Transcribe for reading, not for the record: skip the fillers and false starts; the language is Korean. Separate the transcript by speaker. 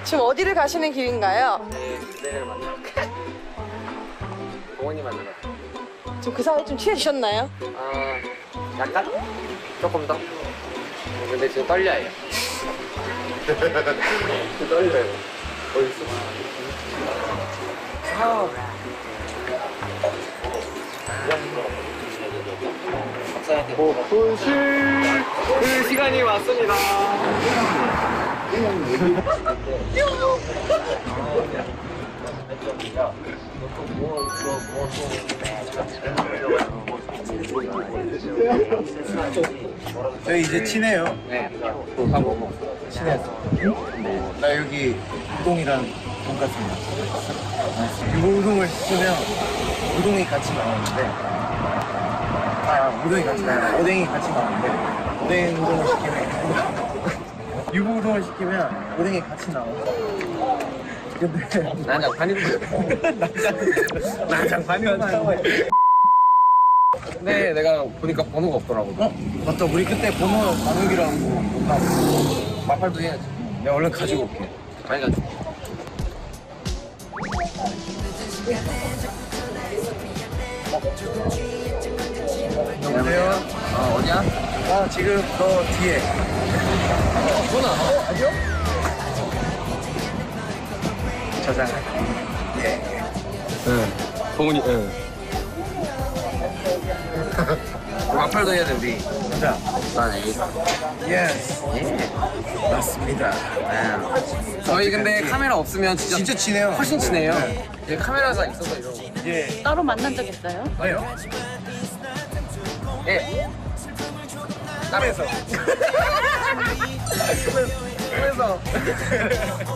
Speaker 1: 지금 어디를 가시는 길인가요?
Speaker 2: 그대를 만나러 동원이 만나러
Speaker 1: 지금 그 사이에 좀 취해주셨나요?
Speaker 2: 아 약간? 조금 더? 근데 지금 떨려요. 지금 떨려요. 어딨어? 아. 보실 그 시간이 왔습니다.
Speaker 3: 저희 이제 친해요.
Speaker 2: 네. 밥 먹어.
Speaker 3: 친해서. 나 여기 우동이랑 돈까스입니다. 유부우동을 시키면 우동이 같이 나오는데, 우동이 같이 나와요. 오뎅이 같이 나오는데, 오뎅 우동을 시키면 유부우동을 시키면 오뎅이 같이 나와요. 근데
Speaker 2: 난장판인데.
Speaker 3: 난장판이었나?
Speaker 2: 근데 내가 보니까 번호가 없더라고.
Speaker 3: 맞다. 우리 그때 번호 나누기로 하고 못 나왔어.
Speaker 2: 마팔도 해야지.
Speaker 3: 내가 얼른 가지고 올게.
Speaker 2: 많이 가져.
Speaker 3: 여보세요?
Speaker 2: 어디야?
Speaker 3: 지금 너 뒤에.
Speaker 2: 누나.
Speaker 3: 아니요? 저장. 예.
Speaker 2: 응. 동훈이. 응. 마팔도 해야 돼 우리.
Speaker 3: 자,
Speaker 2: 난 A.
Speaker 3: 예스. 맞습니다.
Speaker 2: 저희 근데 카메라 없으면 진짜
Speaker 3: 친해요.
Speaker 2: 훨씬 친해요.
Speaker 3: 네.
Speaker 2: 예, 카메라가 있어서 이러고.
Speaker 3: 예.
Speaker 4: 따로 만난 적 있어요?
Speaker 3: 아니요.
Speaker 2: 예.
Speaker 3: 꿈에서.
Speaker 2: 꿈에서.